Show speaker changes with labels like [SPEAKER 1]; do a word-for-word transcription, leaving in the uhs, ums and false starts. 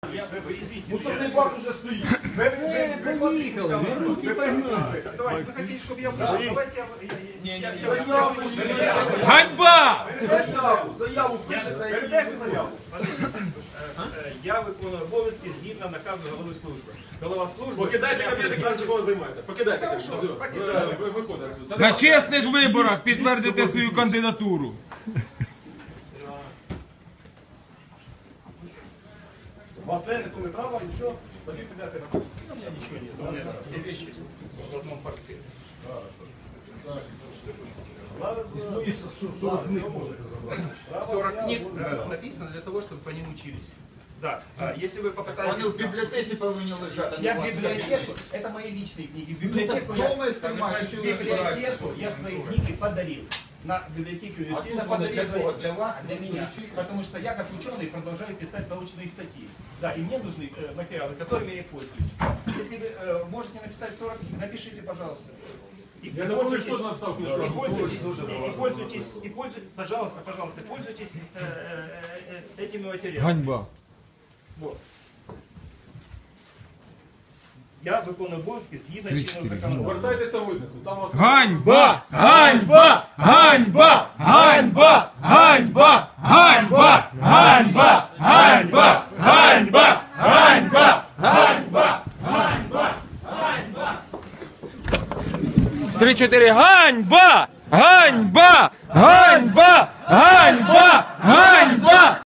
[SPEAKER 1] Мусорний бак уже стоїть.
[SPEAKER 2] Все, поїхали, вернуть і погнали.
[SPEAKER 3] Давайте, вы хотите, чтобы я вышел? Давайте я... я- я-
[SPEAKER 1] Заяву,
[SPEAKER 2] Ганьба!
[SPEAKER 1] заяву, заяву пишете і заяву.
[SPEAKER 3] Е, Я виконую обов'язки згідно наказу голови служби. Голова служби...
[SPEAKER 4] Покидайте кабінет,
[SPEAKER 3] Я-
[SPEAKER 4] краще кого займаєте. Покидайте кабінет.
[SPEAKER 3] Хорошо,
[SPEAKER 4] Все,
[SPEAKER 3] покидаю.
[SPEAKER 4] ви- ви виходите отсюди. Це
[SPEAKER 2] На
[SPEAKER 4] не
[SPEAKER 2] чесних виборах підтвердите свою кандидатуру.
[SPEAKER 3] У вас реально такое право, ничего, пойдите куда-то. У меня ничего нет, у меня все вещи в одном портфеле.
[SPEAKER 1] І сорок книг можете забрати.
[SPEAKER 3] сорок книг э, написано для того, чтобы по ним учились. Да, а, если вы попытаетесь...
[SPEAKER 5] Вони в бібліотеці повинні лежати, а не
[SPEAKER 3] Я
[SPEAKER 5] у вас
[SPEAKER 3] в
[SPEAKER 5] на
[SPEAKER 3] библиотеку,
[SPEAKER 5] кабінеті.
[SPEAKER 3] это мои личные книги. В
[SPEAKER 5] Ну,
[SPEAKER 3] библиотеку
[SPEAKER 5] так
[SPEAKER 3] я,
[SPEAKER 5] дома їх тримайте,
[SPEAKER 3] в
[SPEAKER 5] що ви
[SPEAKER 3] библиотеку я свои книги подарил. На библиотеке
[SPEAKER 5] А
[SPEAKER 3] университета
[SPEAKER 5] тут вони
[SPEAKER 3] подарил
[SPEAKER 5] для кого? Для вас?
[SPEAKER 3] для меня. Потому что я как ученый продолжаю писать научные статьи. Да, и мне нужны э, материалы, которыми я пользуюсь. Если вы э, можете написать сорок книг, напишите, пожалуйста. И,
[SPEAKER 4] Я
[SPEAKER 3] и
[SPEAKER 4] не помню,
[SPEAKER 3] пользуйтесь,
[SPEAKER 4] что написал книжку.
[SPEAKER 3] и пользуйтесь, и, и пользуйтесь, и пользуйтесь, пожалуйста, пожалуйста, пользуйтесь э, э, э, этими материалами.
[SPEAKER 2] Ганьба.
[SPEAKER 3] Вот. Я виконую обов'язки згідно
[SPEAKER 2] Три,
[SPEAKER 3] чинного
[SPEAKER 2] чотири,
[SPEAKER 3] законодавства.
[SPEAKER 4] Повертайтеся в митницю. Там вас...
[SPEAKER 2] Ганьба! Ганьба! Ганьба! Ганьба! Ганьба! Ганьба! Ганьба! Ганьба! Ганьба! Ганьба! Ганьба! Ганьба! Ганьба! Три-чотири. Ганьба! Ганьба! Ганьба! Ганьба! Ганьба!